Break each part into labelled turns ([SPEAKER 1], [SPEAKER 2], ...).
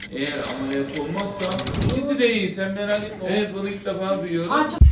[SPEAKER 1] Eğer ameliyat olmazsa ikisi de iyi, sen merak etme. Evet, bunu ilk defa duyuyorum.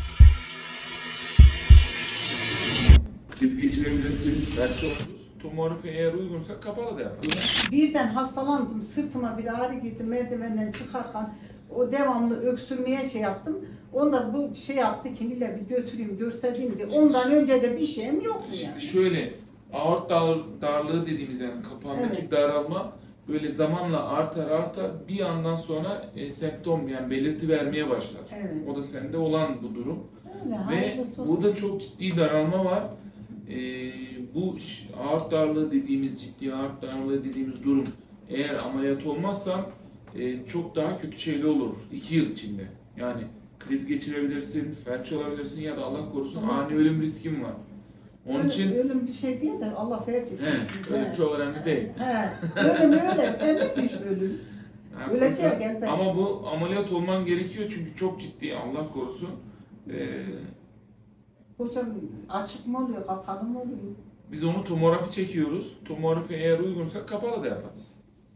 [SPEAKER 1] Kriz geçirebilirsin. Tomografi eğer uygunsa kapalı da yaparız.
[SPEAKER 2] Birden hastalandım, sırtıma bir ağrı girdi, merdivenden çıkarken o devamlı öksürmeye şey yaptım. Onda bu şey yaptı, kiniyle bir götüreyim, göstereyim diye. Ondan önce de bir şeyim yoktu yani.
[SPEAKER 1] Şöyle, aort darlığı dediğimiz yani kapağındaki
[SPEAKER 2] Evet.
[SPEAKER 1] daralma böyle zamanla artar bir yandan sonra semptom yani belirti vermeye başlar.
[SPEAKER 2] Evet.
[SPEAKER 1] O da sende olan bu durum.
[SPEAKER 2] Öyle,
[SPEAKER 1] Ve
[SPEAKER 2] hayırlısı olsun.
[SPEAKER 1] burada çok ciddi daralma var. Bu aort darlığı dediğimiz, ciddi aort darlığı dediğimiz durum eğer ameliyat olmazsa çok daha kötü şeyler olur 2 yıl içinde. Yani kriz geçirebilirsin, felç olabilirsin ya da Allah korusun ani ölüm riskin var. Onun için
[SPEAKER 2] Ölüm bir şey değil de Allah felç etmesin.
[SPEAKER 1] ölüm çok önemli değil.
[SPEAKER 2] Ölüm öyle, temiz iş ölüm. Ölecek elbette.
[SPEAKER 1] Ama bu ameliyat olman gerekiyor çünkü çok ciddi, Allah korusun.
[SPEAKER 2] Hocam açık mı oluyor, kapalı mı oluyor?
[SPEAKER 1] Biz onu tomografi çekiyoruz. Tomografi eğer uygunsa kapalı da yaparız.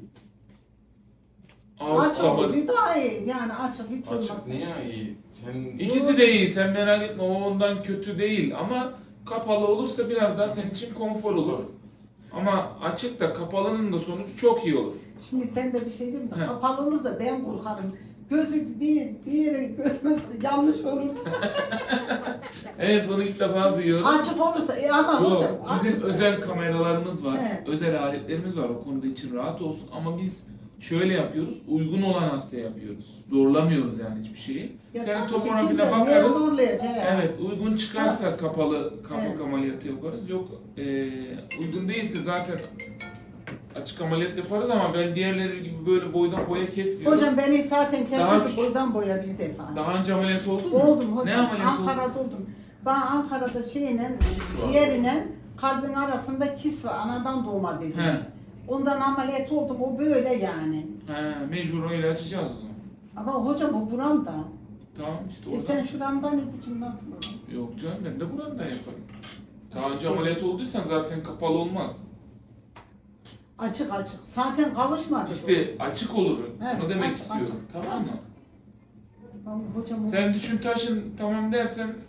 [SPEAKER 2] Açık oluyor daha iyi. Yani açık hiç olmaz.
[SPEAKER 3] Açık niye iyi? Sen
[SPEAKER 1] İkisi de iyi, sen merak etme, o ondan kötü değil ama kapalı olursa biraz daha senin için konfor olur. Ama açık da kapalının da sonucu çok iyi olur.
[SPEAKER 2] Şimdi ben de bir şey diyeyim de
[SPEAKER 1] He.
[SPEAKER 2] kapalı olursa ben korkarım. Gözü bir yere görmez yanlış olur.
[SPEAKER 1] Evet, bunu ilk defa duyuyorum.
[SPEAKER 2] Açık olursa ama hocam
[SPEAKER 1] Yok, bizim
[SPEAKER 2] açık.
[SPEAKER 1] özel kameralarımız var,
[SPEAKER 2] He.
[SPEAKER 1] özel aletlerimiz var, o konuda için rahat olsun ama biz şöyle yapıyoruz, uygun olan hastaya yapıyoruz. Zorlamıyoruz yani hiçbir şeyi.
[SPEAKER 2] Ya
[SPEAKER 1] Senin
[SPEAKER 2] tabii ki
[SPEAKER 1] tomografine
[SPEAKER 2] kimse niye
[SPEAKER 1] bakarız.
[SPEAKER 2] zorlayacak ya?
[SPEAKER 1] Evet, uygun çıkarsa kapalı kapak
[SPEAKER 2] Evet.
[SPEAKER 1] ameliyatı yaparız. Yok, uygun değilse zaten açık ameliyat yaparız ama ben diğerleri gibi böyle boydan boya kesmiyorum.
[SPEAKER 2] Hocam beni zaten
[SPEAKER 1] Daha
[SPEAKER 2] kesildi
[SPEAKER 1] küçük.
[SPEAKER 2] boydan boya bir defa.
[SPEAKER 1] Daha önce ameliyat oldun mu?
[SPEAKER 2] Oldum hocam.
[SPEAKER 1] Ne ameliyat oldun?
[SPEAKER 2] Ankara'da oldum. Ben Ankara'da ciğerine kalbin arasında kis var. Anadan doğma dediler.
[SPEAKER 1] He.
[SPEAKER 2] Ondan ameliyat oldum. O böyle yani.
[SPEAKER 1] He, mecbur öyle açacağız o zaman.
[SPEAKER 2] Ama hocam o buramda.
[SPEAKER 1] Tamam işte
[SPEAKER 2] Sen
[SPEAKER 1] oradan.
[SPEAKER 2] şuramdan edicim nasıl olur?
[SPEAKER 1] Yok canım, ben de buradan yaparım. Daha önce ameliyat olduysan zaten kapalı olmaz.
[SPEAKER 2] Açık açık. Zaten kavuşmadı.
[SPEAKER 1] İşte açık olur.
[SPEAKER 2] Evet,
[SPEAKER 1] Onu demek
[SPEAKER 2] açık,
[SPEAKER 1] istiyorum.
[SPEAKER 2] açık,
[SPEAKER 1] Tamam mı?
[SPEAKER 2] açık. Hocam o-
[SPEAKER 1] Sen düşün taşın tamam dersen